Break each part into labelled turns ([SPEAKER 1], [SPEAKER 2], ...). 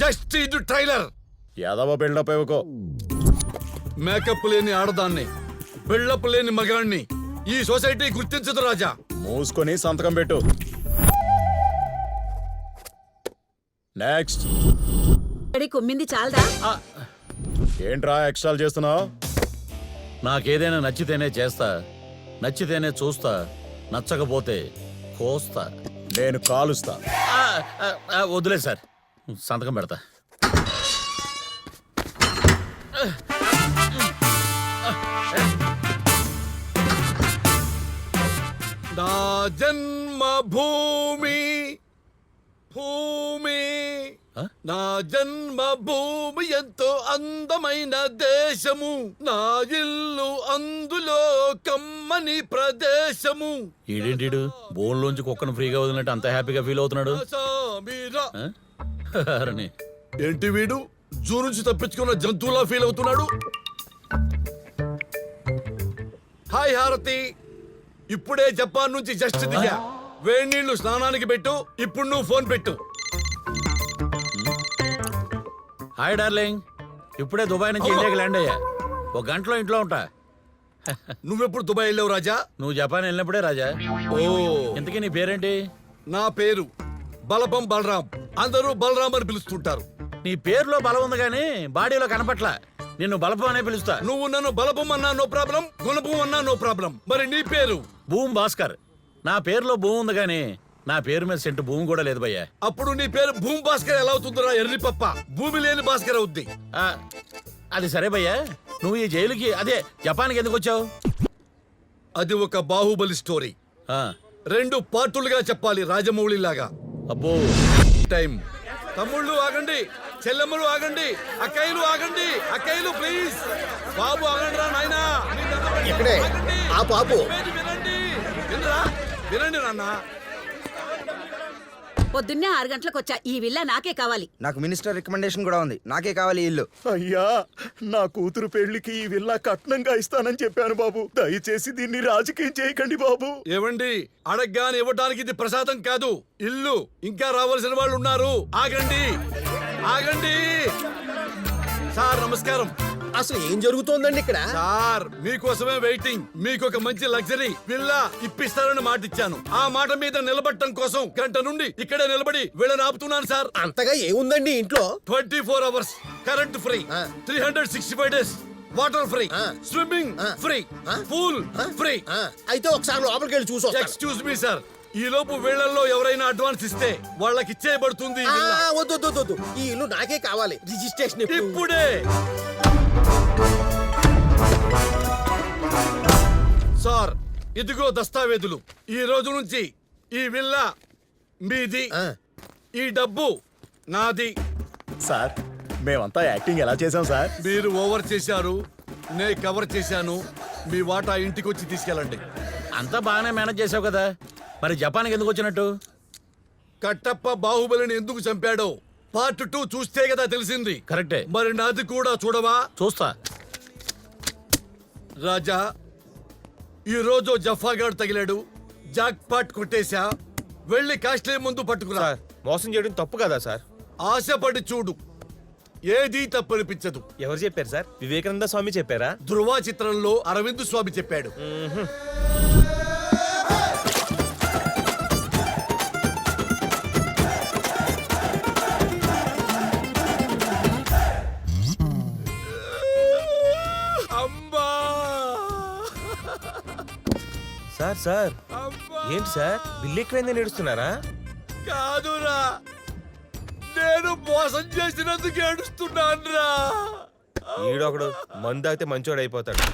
[SPEAKER 1] Just ఇది trailer.
[SPEAKER 2] Yadava buildup ఇవ్వకో.
[SPEAKER 1] Makeup లేని ఆడదాన్ని, బిల్డప్ లేని మగాన్ని ఈ సొసైటీ గుర్తించదు రాజా.
[SPEAKER 2] మూసుకొని సంతకం పెట్టు. నెక్స్ట్.
[SPEAKER 3] కొమ్మింది చాలదా?
[SPEAKER 2] ఏంట్రా ఎక్స్ట్రాలు చేస్తున్నావు?
[SPEAKER 4] నాకేదైనా నచ్చితేనే చేస్తా, నచ్చితేనే చూస్తా, నచ్చకపోతే కోస్తా.
[SPEAKER 2] నేను కాలుస్తా.
[SPEAKER 4] వదిలే సార్, సంతకం పెడతా.
[SPEAKER 1] నా జన్మ భూమి భూమి నా జన్మ భూమి ఎంతో అందమైన దేశము, నా ఇల్లు అందులో కమ్మని ప్రదేశము.
[SPEAKER 4] ఈడేంటిడు బోన్లోంచి కుక్కను ఫ్రీగా వదిలినట్టు అంత హ్యాపీగా ఫీల్ అవుతున్నాడు? అరణి
[SPEAKER 1] ఏంటి వీడు జూ నుంచి తప్పించుకున్న జంతువులా ఫీల్ అవుతున్నాడు? హాయ్ హారతి, ఇప్పుడే జపాన్ నుంచి జస్ట్ దిగా. వేడి నీళ్లు స్నానానికి పెట్టు. ఇప్పుడు నువ్వు ఫోన్ పెట్టు.
[SPEAKER 4] హాయ్ డార్లింగ్, ఇప్పుడే దుబాయ్ నుంచి ఇండియాకి ల్యాండ్ అయ్యా. ఒక గంటలో ఇంట్లో ఉంటా.
[SPEAKER 1] నువ్వెప్పుడు దుబాయ్ వెళ్ళావు రాజా?
[SPEAKER 4] నువ్వు జపాన్ వెళ్ళినప్పుడే రాజా.
[SPEAKER 1] ఓ,
[SPEAKER 4] ఇంతకీ నీ పేరేంటి?
[SPEAKER 1] నా పేరు బలపం బలరాం. అందరూ బలరాం అని పిలుస్తుంటారు.
[SPEAKER 4] నీ పేరులో బలం ఉంది కానీ బాడీలో కనపట్ల. నిన్ను బలపం అనే పిలుస్తా.
[SPEAKER 1] నువ్వు నన్ను బలపం అన్నా నో ప్రాబ్లం, గుణపం అన్నా నో ప్రాబ్లం. మరి నీ పేరు?
[SPEAKER 4] భూమి భాస్కర్. నా పేరులో భూమి ఉంది కానీ నా పేరు మీద సెంటు భూమి కూడా లేదు భయ్యా.
[SPEAKER 1] అప్పుడు నీ పేరు భూమి భాస్కర్ ఎలా అవుతుందిరా ఎర్రి పప్ప? భూమి లేని భాస్కర్ అవుద్ది.
[SPEAKER 4] అది సరే భయ్యా, నువ్వు ఈ జైలుకి అదే జపాన్కి ఎందుకు వచ్చావు?
[SPEAKER 1] అది ఒక బాహుబలి స్టోరీ. 2 పార్టులుగా చెప్పాలి, రాజమౌళి లాగా.
[SPEAKER 4] అబ్బో
[SPEAKER 1] టైం. తమ్ముళ్ళు ఆగండి, చెల్లెమ్మలు ఆగండి, అక్కయ్యలు ఆగండి. అక్కయ్యలు ప్లీజ్, బాబు ఆగండి రా నాయనా.
[SPEAKER 5] ఇక్కడే ఆపు ఆపు.
[SPEAKER 1] వినండి, వినరా, వినండి నాన్న.
[SPEAKER 3] పొద్దున్నే 6 గంటలకు వచ్చా. ఈ విల్లా నాకే కావాలి.
[SPEAKER 5] నాకు మినిస్టర్ రికమెండేషన్ కూడా ఉంది. నాకే కావాలి ఈ ఇల్లు.
[SPEAKER 2] అయ్యా, నా కూతురు పెళ్లికి ఈ విల్లా కట్నంగా ఇస్తానని చెప్పాను బాబు. దయచేసి దీన్ని రాజకీయం చేయకండి బాబు.
[SPEAKER 1] ఏవండి, అడగ్గాని ఇవ్వడానికి ఇది ప్రసాదం కాదు, ఇల్లు. ఇంకా రావాల్సిన వాళ్ళు ఉన్నారు. ఆగండి ఆగండి. సార్ నమస్కారం.
[SPEAKER 5] అసలు ఏం జరుగుతోందండి ఇక్కడ?
[SPEAKER 1] సార్ మీకోసమే వెయిటింగ్. మీకు ఒక మంచి లగ్జరీ విల్లా ఇప్పిస్తారని మాట ఇచ్చాను. ఆ మాట మీద నిలబడటం కోసం గంట నుండి ఇక్కడే నిలబడి వీళ్ళని ఆపుతున్నాను సార్.
[SPEAKER 5] అంతగా ఏముందండి ఇంట్లో?
[SPEAKER 1] 24 hours current free, 365 days water free, swimming free, pool free.
[SPEAKER 5] అయితే ఒకసారి లోపలికి వెళ్ళి చూసి
[SPEAKER 1] ఎక్స్క్యూజ్ మీ సార్, ఈ లోపు వీళ్ళల్లో ఎవరైనా అడ్వాన్స్ ఇస్తే వాళ్ళకి ఇచ్చేయబడుతుంది.
[SPEAKER 5] వద్దు, ఈ ఇల్లు నాకే కావాలి. రిజిస్ట్రేషన్
[SPEAKER 1] ఇప్పుడే. సార్ ఇదిగో దస్తావేజులు. ఈ రోజు నుంచి ఈ విల్లా మీది, ఈ డబ్బు నాది.
[SPEAKER 2] సార్ మేమంతా యాక్టింగ్ ఎలా చేసాం సార్?
[SPEAKER 1] మీరు ఓవర్ చేశారు, నేను కవర్ చేశాను. మీ వాటా ఇంటికి వచ్చి తీసుకెళ్ళండి.
[SPEAKER 4] అంతా బాగానే మేనేజ్ చేసావు కదా, మరి జపాన్కి ఎందుకు వచ్చినట్టు?
[SPEAKER 1] కట్టప్ప బాహుబలిని ఎందుకు చంపాడో పార్ట్ 2 చూస్తే కదా తెలిసింది.
[SPEAKER 4] కరెక్టే.
[SPEAKER 1] మరి నాది కూడా చూడవా?
[SPEAKER 4] చూస్తా.
[SPEAKER 1] రాజా, ఈ రోజు జఫాగాడు తగిలాడు. Jack pot కొట్టేశా. వెళ్ళి కాస్ట్లీ ముందు పట్టుకురా.
[SPEAKER 6] మోసం చేయడం తప్పు కదా సార్?
[SPEAKER 1] ఆశపడి చూడు, ఏదీ తప్పనిపించదు.
[SPEAKER 6] ఎవరు చెప్పారు సార్? వివేకానంద స్వామి చెప్పారా?
[SPEAKER 1] ధృవ చిత్రంలో అరవింద్ స్వామి చెప్పాడు.
[SPEAKER 6] సార్ సార్ ఏంటి సార్ బిల్లు ఎక్కువైందని ఏడుస్తున్నారా?
[SPEAKER 1] కాదురా, నేను మోసం చేసినందుకు ఏడుస్తున్నానురా.
[SPEAKER 6] ఈడొకడు మందు తాగితే మంచోడు అయిపోతాడు.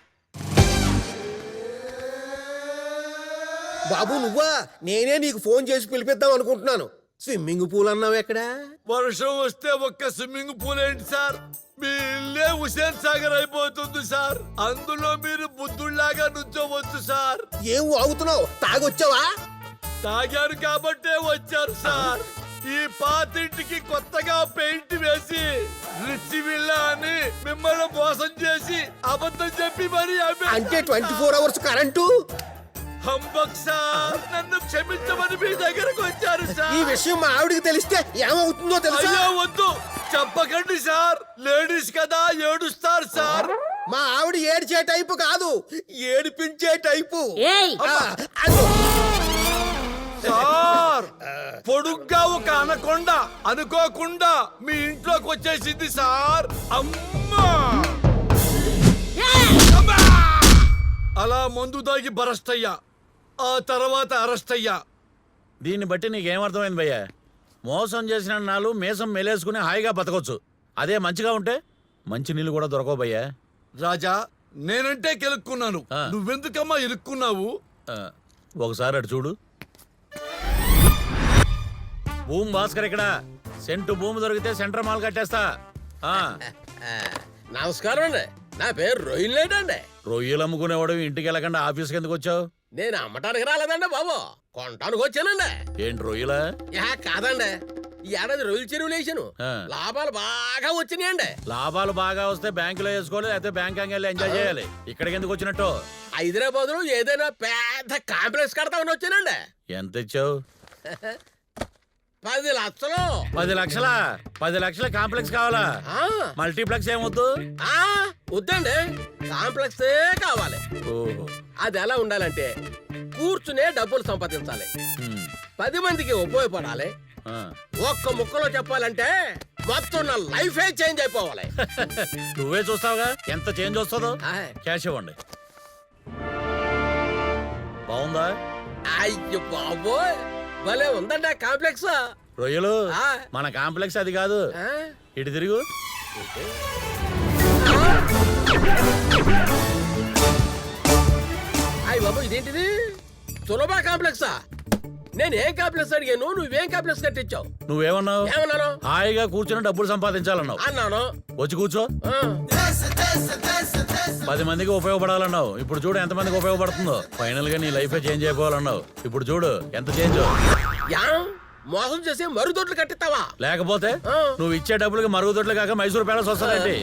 [SPEAKER 5] బాబు నువ్వా? నేనే నీకు ఫోన్ చేసి పిలిపిద్దాం అనుకుంటున్నాను. స్విమ్మింగ్ పూల్ అన్నావు ఎక్కడ?
[SPEAKER 1] వర్షం వస్తే ఒక్క స్విమ్మింగ్ పూల్ ఏంటి సార్, మీ ఇల్లే హుసేన్ సాగర్ అయిపోతుంది సార్. అందులో మీరు బుద్ధుళ్లాగా నుంచోవచ్చు సార్.
[SPEAKER 5] ఏం వాగుతున్నావు? తాగొచ్చావా?
[SPEAKER 1] తాగారు కాబట్టే వచ్చారు సార్. ఈ పాతింటికి కొత్తగా పెయింట్ వేసి రిచ్ విల్లా అని మిమ్మల్ని మోసం చేసి అబద్ధం చెప్పి మరి
[SPEAKER 5] అంటే 24 అవర్స్ కరెంటు?
[SPEAKER 1] హంబక్ సార్, నన్ను క్షమించమని మీ దగ్గరకు వచ్చారు
[SPEAKER 5] ఈ
[SPEAKER 1] సార్.
[SPEAKER 5] విషయం మా ఆవిడికి తెలిస్తే ఏమవుతుందో తెలుసా?
[SPEAKER 1] అయ్యో వద్దు, చెప్పకండి సార్. లేడీస్ కదా, ఏడుస్తారు సార్.
[SPEAKER 5] మా ఆవిడ ఏడ్చే టైపు కాదు, ఏడిపించే టైపు.
[SPEAKER 3] ఏయ్
[SPEAKER 5] ఆ, అదో.
[SPEAKER 1] సార్, పొడుగ్గా ఒక అనకొండ అనుకోకుండా మీ ఇంట్లోకి వచ్చేసింది సార్. అమ్మా! అమ్మా! అలా మందు దాగి బరస్ట్ అయ్యా, ఆ తర్వాత అరెస్ట్ అయ్యా.
[SPEAKER 4] దీన్ని బట్టి నీకేమర్థమైంది భయ్యా? మోసం చేసిన నాలు మేసం మెలేసుకుని హాయిగా బతకొచ్చు. అదే మంచిగా ఉంటే మంచి నీళ్ళు కూడా దొరకవు భయ్యా.
[SPEAKER 1] రాజా, నేనంటే కెలుక్కున్నాను,
[SPEAKER 4] ఆ.
[SPEAKER 1] నువ్వెందుకమ్మా ఇరుక్కున్నావు?
[SPEAKER 4] ఆ, ఒకసారి అటు చూడు. భూమి భాస్కర్ ఇక్కడ. సెంటు భూమి దొరికితే సెంటర్ మాల్ కట్టేస్తా. ఆ,
[SPEAKER 7] నమస్కారం అండి, నా పేరు రోహిల్ అండి.
[SPEAKER 4] రొయ్యలు అమ్ముకునేవాడు ఇంటికి వెళ్ళకుండా ఆఫీస్కి ఎందుకు వచ్చావు?
[SPEAKER 7] నేను అమ్మటానికి రాలేదండి బాబు, కొనటానికి వచ్చానండి.
[SPEAKER 4] ఏంటి రొయ్యలా?
[SPEAKER 7] యా కాదండి, ఈ ఏడాది రొయ్యల చెరువులు వేసాను,
[SPEAKER 4] ఆ.
[SPEAKER 7] లాభాలు బాగా వచ్చినాయండి.
[SPEAKER 4] లాభాలు బాగా వస్తే బ్యాంకులో వేసుకోవాలి, లేకపోతే బ్యాంక్ వెళ్ళి ఎంజాయ్ చేయాలి. ఇక్కడికి ఎందుకు వచ్చినట్టు?
[SPEAKER 7] హైదరాబాద్ లో ఏదైనా పెద్ద కాంప్లెక్స్ కడతామని వచ్చానండి.
[SPEAKER 4] ఎంత ఇచ్చావు?
[SPEAKER 7] 10 లక్షలు.
[SPEAKER 4] 10 లక్షలా? 10 లక్షల కాంప్లెక్స్ కావాలా?
[SPEAKER 7] ఆ,
[SPEAKER 4] మల్టీప్లెక్స్ ఏమొద్దు?
[SPEAKER 7] ఆ, వద్దండి, కాంప్లెక్సే కావాలి.
[SPEAKER 4] ఓహో.
[SPEAKER 7] అది ఎలా ఉండాలంటే కూర్చునే డబ్బులు సంపాదించాలి,
[SPEAKER 4] హ్మ్.
[SPEAKER 7] 10 మందికి ఉపయోగపడాలి.
[SPEAKER 4] ఆ.
[SPEAKER 7] ఒక్క ముక్కలో చెప్పాలంటే మొత్తం నా లైఫే చేంజ్ అయిపోవాలి.
[SPEAKER 4] నువ్వే చూస్తావుగా ఎంత చేంజ్ వస్తుందో.
[SPEAKER 7] ఆయ్.
[SPEAKER 4] క్యాష్ ఇవ్వండి. బాగుందా?
[SPEAKER 7] అయ్యో బాబోయ్, భలే ఉందండి ఆ కాంప్లెక్స్.
[SPEAKER 4] రొయ్యలు
[SPEAKER 7] ఆ.
[SPEAKER 4] మన కాంప్లెక్స్ అది కాదు.
[SPEAKER 7] ఆ?
[SPEAKER 4] ఇటు తిరుగు.
[SPEAKER 7] అయ్య బాబు, ఇదేంటిది? సులభ కాంప్లెక్సా? నేను ఏం కాంప్లెక్స్ అడిగాను, నువ్వేం కాంప్లెక్స్ కట్టించావు?
[SPEAKER 4] నువ్వేమన్నావు?
[SPEAKER 7] ఏమన్నాను?
[SPEAKER 4] హాయిగా కూర్చొని డబ్బులు సంపాదించాలన్నావు.
[SPEAKER 7] అన్నాను.
[SPEAKER 4] వచ్చి కూర్చో.
[SPEAKER 7] ఆ.
[SPEAKER 4] 10 మందికి ఉపయోగపడాలన్నావు. ఇప్పుడు చూడు ఎంత మందికి ఉపయోగపడుతుందో. ఫైనల్ గా నీ లైఫ్ చేంజ్ అయిపోవాలన్నావు. ఇప్పుడు చూడు ఎంత చేంజ్.
[SPEAKER 7] యా, మోసం చేసి మరుగుదొడ్లు కట్టిస్తావా?
[SPEAKER 4] లేకపోతే
[SPEAKER 7] ఆ.
[SPEAKER 4] నువ్వు ఇచ్చే డబ్బులకి మరుగుదొడ్లు కాక మైసూర్ ప్యాలెస్ వస్తానండి.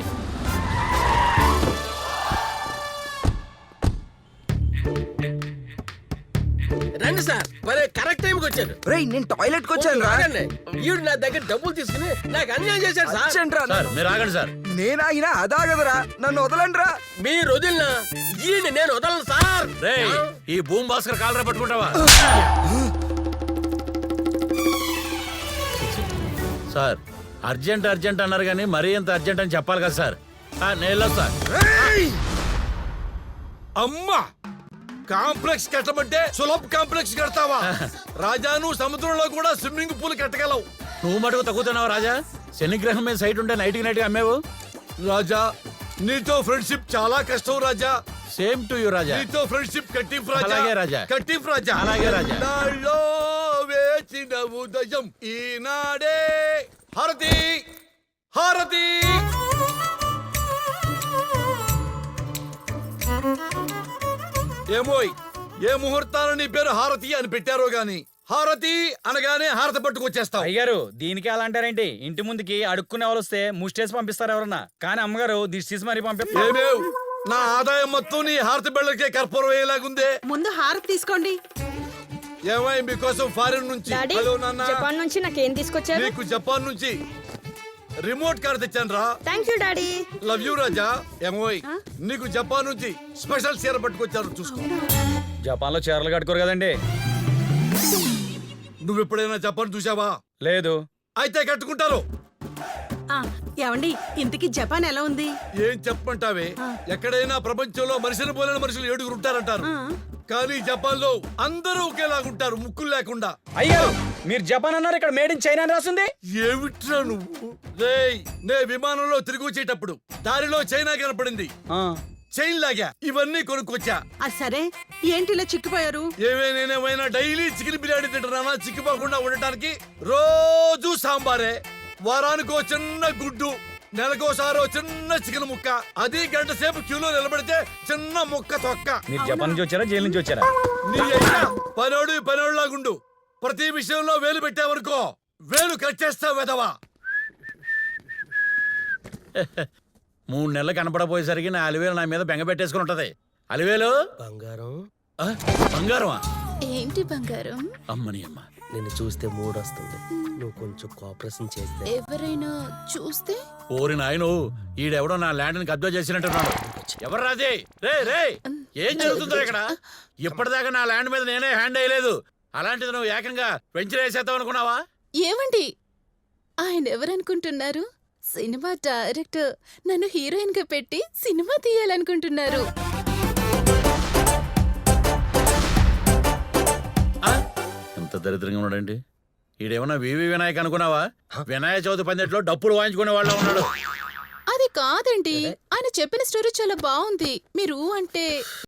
[SPEAKER 7] రండి సార్, మరి కరెక్ట్ టైంకి వచ్చారు.
[SPEAKER 8] రేయ్ నేను టాయిలెట్ కి వచ్చాను రా.
[SPEAKER 7] ఆగండి. ఈవిడ నా దగ్గర డబ్బులు తీసుకుని నాకు అన్యాయం చేశాడు సార్.
[SPEAKER 8] అర్జెంట్ రా.
[SPEAKER 4] సార్ మీరు ఆగండి సార్.
[SPEAKER 8] నేనాగినా అదాగదరా, నన్ను వదలండి రా.
[SPEAKER 7] మీరు వదిలినా ఈయన నేను వదలను సార్.
[SPEAKER 4] రే ఈ భూమి భాస్కర్ కాలరా పట్టుకుంటావా? సార్ అర్జెంట్ అర్జెంట్ అన్నారు కానీ మరీ ఎంత అర్జెంట్ అని చెప్పాలి కదా సార్. నేను వెళ్ళొస్తా.
[SPEAKER 1] అమ్మా! కాంప్లెక్స్ కట్టమంటే సులభ్ కాంప్లెక్స్ కడతావా? రాజాను సముద్రంలో కూడా స్విమ్మింగ్ పూల్ కట్టగలవు.
[SPEAKER 4] నువ్వు మటుకు తగ్గుతున్నావు రాజా. శనిగ్రహం మీద సైట్ ఉంటే నైట్కి నైట్గా అమ్మేవు.
[SPEAKER 1] రాజా, నీతో ఫ్రెండ్షిప్ చాలా కష్టం Raja.
[SPEAKER 4] Same to you Raja.
[SPEAKER 1] నీతో ఫ్రెండ్షిప్ కట్టింపు రాజా.
[SPEAKER 4] అలాగే రాజా.
[SPEAKER 1] కట్టింపు రాజా.
[SPEAKER 4] అలాగే రాజా.
[SPEAKER 1] నాలో వేచిన ఉదయం ఈనాడే. హారతి, హారతి. ఏమోయ్, ఏ ముహూర్తాలు నీ పేరు హారతి అని పెట్టారో గాని హారతి అనగానే హారతి పట్టుకొచ్చేస్తావు.
[SPEAKER 9] అయ్యారు దీనికి అలా అంటారేంటి? ఇంటి ముందుకి అడుక్కునే వాళ్ళు వస్తే ముష్టేసి పంపిస్తారు ఎవరన్నా, కానీ అమ్మగారు దిష్టి తీసి మరీ పంపిస్తారు.
[SPEAKER 1] ఏమేవ్, నా ఆదాయం మొత్తం నీ హారతి బెళ్ళకే కర్పూరం వేయలాగుందే.
[SPEAKER 3] ముందు హారతి తీసుకోండి.
[SPEAKER 1] ఏమై మీకోసం ఫారిన్ నుంచి.
[SPEAKER 10] డాడీ
[SPEAKER 1] హలో నాన్న.
[SPEAKER 10] జపాన్ నుంచి నాకేం తీసుకొచ్చారు?
[SPEAKER 1] నీకు జపాన్ నుంచి రిమోట్ కార్ తెచ్చాను రా.
[SPEAKER 10] Thank you daddy.
[SPEAKER 1] Love you Raja. ఏమోయ్, నీకు జపాన్ నుంచి స్పెషల్ చీర పట్టుకొచ్చాను, చూసుకో.
[SPEAKER 9] జపాన్ లో చీరలు కట్టుకోరు కదండి.
[SPEAKER 1] నువ్వు ఎప్పుడైనా జపాన్ చూసావా?
[SPEAKER 9] లేదు.
[SPEAKER 1] అయితే కట్టుకుంటారు.
[SPEAKER 3] ఆ, ఏమండి ఇంతకీ జపాన్ ఎలా ఉంది?
[SPEAKER 1] ఏం చెప్పమంటావే, ఎక్కడైనా ప్రపంచంలో మనిషిని పోలిన మనుషులు 7 ఉంటారంటారు. కానీ జపాన్ లో అందరూ ఒకేలాగుంటారు, ముక్కులు లేకుండా.
[SPEAKER 9] అయ్యారు మీరు జపాన్ అన్నారు, ఇక్కడ మేడ్ ఇన్ చైనా అని రాస్తుంది.
[SPEAKER 1] ఏమిట్రా నువ్వు? రేయ్, నే విమానంలో తిరిగి వచ్చేటప్పుడు దారిలో చైనా కనపడింది. చైన్ లాగా ఇవన్నీ కొనుక్కొచ్చా.
[SPEAKER 3] సరే ఏంటి ఇలా చిక్కిపోయారు?
[SPEAKER 1] నేనేమైనా డైలీ చికెన్ బిర్యానీ తింటున్నానా చిక్కిపోకుండా ఉండటానికి? రోజు సాంబారే, వారానికో చిన్న గుడ్డు, నెలకోసారో చిన్న చికెన్ ముక్క, అది గంట సేపు క్యూలో నిలబడితే చిన్న ముక్క తొక్క.
[SPEAKER 9] మీరు జపాన్ నుంచి వచ్చారా, జైలు నుంచి వచ్చారా?
[SPEAKER 1] నీ అయ్యా పనోడులాగుండు. ప్రతి విషయంలో వేలు పెట్టావనుకో వేలు కట్ చేస్తావు వెదవా.
[SPEAKER 4] 3 నెలలు కనపడపోయేసరికి నా అలివేలు నా మీద బెంగ పెట్టేసుకుని ఉంటది. అలివేలు
[SPEAKER 5] బంగారం
[SPEAKER 4] ఆ, బంగారమా?
[SPEAKER 10] ఏంటి బంగారం?
[SPEAKER 4] అమ్మని అమ్మ.
[SPEAKER 5] నిన్ను చూస్తే మూడొస్తుంది. నువ్వు కొంచెం కోఆపరేషన్ చేస్తే.
[SPEAKER 10] ఎవరైనా చూస్తే?
[SPEAKER 4] ఓరి నాయను, ఈడెవడో నా ల్యాండ్ ని కబ్జా చేసినట్టున్నాడు. ఎవరు రాజే? రే రే, ఏం జరుగుతుందో ఇక్కడ? ఇప్పటిదాకా నా ల్యాండ్ మీద నేనే హ్యాండ్ వేయలేదు, అలాంటిది నువ్వు ఏకంగా వెంచర్ వేసేద్దాం అనుకున్నావా?
[SPEAKER 10] ఏమండి, ఆయన ఎవరనుకుంటున్నారు? Cinema director. నన్ను హీరోయిన్ గా పెట్టి సినిమా తీయాలనుకుంటున్నారు.
[SPEAKER 4] ఎంత దరిద్రంగా ఉన్నాడండి ఈడేమన్నా వివి వినాయక్ అనుకున్నావా? వినాయక చవితి పందిట్లో డప్పులు వాయించుకునే వాళ్ళ ఉన్నాడు.
[SPEAKER 10] అది కాదండి, ఆయన చెప్పిన స్టోరీ చాలా బాగుంది. మీరు అంటే